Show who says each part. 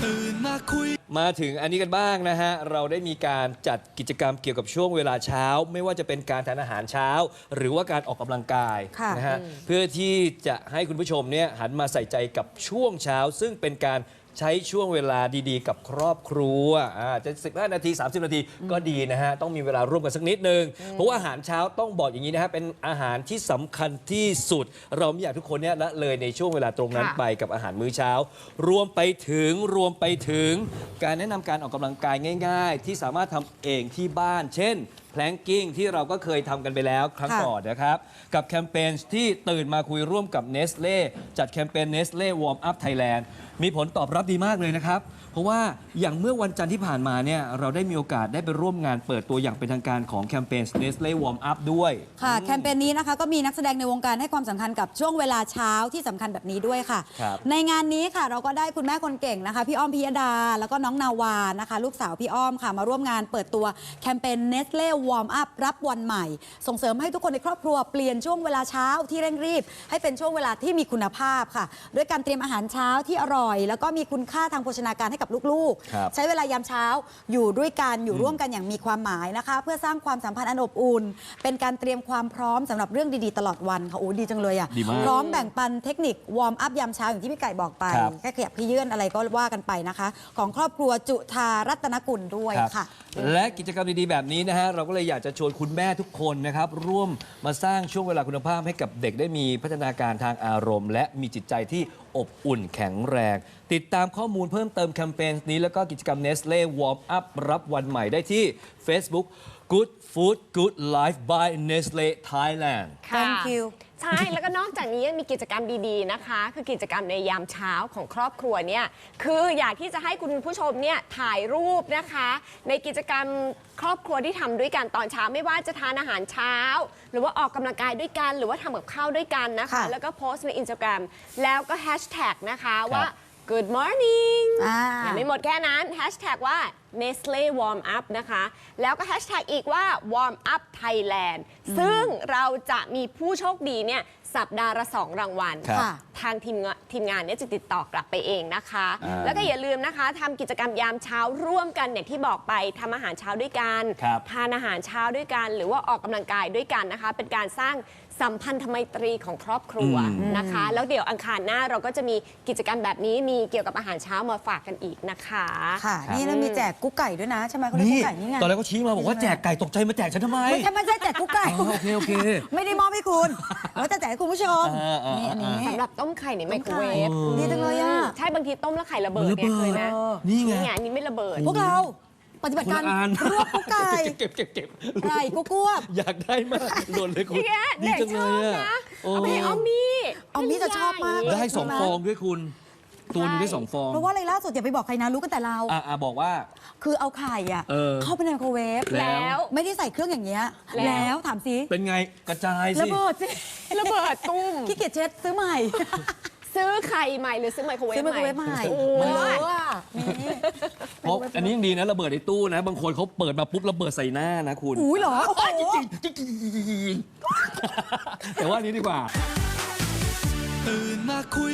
Speaker 1: มาถึงอันนี้กันบ้างนะฮะเราได้มีการจัดกิจกรรมเกี่ยวกับช่วงเวลาเช้าไม่ว่าจะเป็นการทานอาหารเช้าหรือว่าการออกกำลังกายนะฮะเพื่อที่จะให้คุณผู้ชมเนี่ยหันมาใส่ใจกับช่วงเช้าซึ่งเป็นการใช้ช่วงเวลาดีๆกับครอบครัวจะ15 นาที 30 นาทีก็ดีนะฮะต้องมีเวลาร่วมกันสักนิดนึงเพราะว่าอาหารเช้าต้องบอกอย่างนี้นะฮะเป็นอาหารที่สำคัญที่สุดเราไม่อยากทุกคนเนี่ยละเลยในช่วงเวลาตรงนั้นไปกับอาหารมื้อเช้ารวมไปถึงการแนะนำการออกกำลังกายง่ายๆที่สามารถทำเองที่บ้านเช่นแพลงกิ้งที่เราก็เคยทำกันไปแล้วครั้งก่อนนะครับกับแคมเปญที่ตื่นมาคุยร่วมกับเนสเล่จัดแคมเปญเนสเล่วอร์มอัพไทยแลนด์มีผลตอบรับดีมากเลยนะครับเพราะว่าอย่างเมื่อวันจันทร์ที่ผ่านมาเนี่ยเราได้มีโอกาสได้ไปร่วมงานเปิดตัวอย่างเป็นทางการของแคมเปญ Nestle Warm Up ด้วย
Speaker 2: ค่ะแคมเปญนี้นะคะก็มีนักแสดงในวงการให้ความสำคัญกับช่วงเวลาเช้าที่สำคัญแบบนี้ด้วยค่ะในงานนี้ค่ะเราก็ได้คุณแม่คนเก่งนะคะพี่อ้อมพิยดาแล้วก็น้องนาวานะคะลูกสาวพี่อ้อมค่ะมาร่วมงานเปิดตัวแคมเปญ Nestle Warm Up รับวันใหม่ส่งเสริมให้ทุกคนในครอบครัวเปลี่ยนช่วงเวลาเช้าที่เร่งรีบให้เป็นช่วงเวลาที่มีคุณภาพค่ะด้วยการเตรียมอาหารเช้าที่อร่อยแล้วก็มีคุณค่าทางโภชนาการให้กับลูกๆใช้เวลายามเช้าอยู่ด้วยกันอยู่ร่วมกันอย่างมีความหมายนะคะเพื่อสร้างความสัมพันธ์อันอบอุ่นเป็นการเตรียมความพร้อมสำหรับเรื่องดีๆตลอดวันค่ะโอ้ดีจังเลยอ่ะพร้อมแบ่งปันเทคนิควอร์มอัพยามเช้าอย่างที่พี่ไก่บอกไปแค่ขยับขยื่นอะไรก็ว่ากันไปนะคะของครอบครัวจุฑารัตนกุลด้วยค่ะ
Speaker 1: และกิจกรรมดีๆแบบนี้นะฮะเราก็เลยอยากจะชวนคุณแม่ทุกคนนะครับร่วมมาสร้างช่วงเวลาคุณภาพให้กับเด็กได้มีพัฒนาการทางอารมณ์และมีจิตใจที่อบอุ่นแข็งแรงติดตามข้อมูลเพิ่มเติมแคมเปญนี้แล้วก็กิจกรรม Nestle Warm Up รับวันใหม่ได้ที่ Facebook Good Food Good Life by Nestle Thailand
Speaker 2: Thank you
Speaker 3: ใช่ แล้วก็นอกจากนี้ยังมีกิจกรรมดีๆนะคะคือกิจกรรมในยามเช้าของครอบครัวเนี่ยคืออยากที่จะให้คุณผู้ชมเนี่ยถ่ายรูปนะคะในกิจกรรมครอบครัวที่ทำด้วยกันตอนเช้าไม่ว่าจะทานอาหารเช้าหรือว่าออกกำลังกายด้วยกันหรือว่าทำกับข้าวด้วยกันนะคะแล้วก็โพสต์ใน Instagram แล้วก็แฮชแท็กนะคะว่า Good morning ยังไม่หมดแค่นั้นแฮชแท็กว่า Nestle Warm Up นะคะแล้วก็แฮชแท็กอีกว่า Warm Up Thailand ซึ่งเราจะมีผู้โชคดีเนี่ยสัปดาห์ละ2 รางวัลทางทีมงานเนี่ยจะติดต่อกลับไปเองนะคะแล้วก็อย่าลืมนะคะทำกิจกรรมยามเช้าร่วมกันอย่างที่บอกไปทำอาหารเช้าด้วยกันทานอาหารเช้าด้วยกันหรือว่าออกกำลังกายด้วยกันนะคะเป็นการสร้างสัมพันธไมตรีของครอบครัวนะคะแล้วเดี๋ยวอังคารหน้าเราก็จะมีกิจกรรมแบบนี้มีเกี่ยวกับอาหารเช้ามาฝากกันอีกนะคะ
Speaker 2: ค่ะนี่แล้วมีแจกกุ๊กไก่ด้วยนะใช่ไหมเขาเรียกกุ๊กไก่นี่ไง
Speaker 1: ตอนแรกก็ชี้มาบอกว่าแจกไก่ตกใจมาแจกฉันทำไม
Speaker 2: ไม่ใช่แจกกุ๊กไก่
Speaker 1: โอเค
Speaker 2: ไม่ได้มอบให้คุณเราจะแจกให้คุณผู้ชมนี่อันนี้
Speaker 3: สำหรับต้มไข่ในไมโครเวฟ
Speaker 2: ดีจังเลยอ่ะ
Speaker 3: ใช่บางทีต้มแล้วไข่ระเบิดเนี่ยเคยนะ
Speaker 1: นี่ไง
Speaker 3: อันนี้ไม่ระเบิด
Speaker 2: พวกเราปฏิบัติการรวบกุ๊กไก่
Speaker 1: เก็บ
Speaker 2: ไก่กุ๊ก
Speaker 1: อยากได้มากหล่นเลยคุณ
Speaker 3: ดีจังเลยอะเอาไปออมมี่
Speaker 2: จะชอบมาก
Speaker 1: ได้2 ฟองด้วยคุณตัวนึงได้2 ฟอง
Speaker 2: เพราะว่าอะไรล่าสุดอย่าไปบอกใครนะรู้กันแต่เรา
Speaker 1: บอกว่า
Speaker 2: คือเอาไข่เข้าไปในไมโครเวฟ
Speaker 3: แล้ว
Speaker 2: ไม่ได้ใส่เครื่องอย่างเงี้ยแล้วถามสิ
Speaker 1: เป็นไงกระจายสิ
Speaker 2: ระเบิดสิ
Speaker 3: ระเบิดตุ้ม
Speaker 2: ขี้เกียจเช็ดซื้อใหม่
Speaker 3: ซื้อไข่ใหม่หรือซื้อไมโครเวฟ
Speaker 2: ใหม่
Speaker 3: มัน
Speaker 2: เ
Speaker 3: ย
Speaker 1: เพราะอันนี้ยังดีนะระเบิดในตู้นะบางคนเขาเปิดมาปุ๊บระเบิดใส่หน้านะคุณ
Speaker 2: อุ้ยเหรอ
Speaker 1: จริงแต่ว่านี้ดีกว่าตื่นมาคุย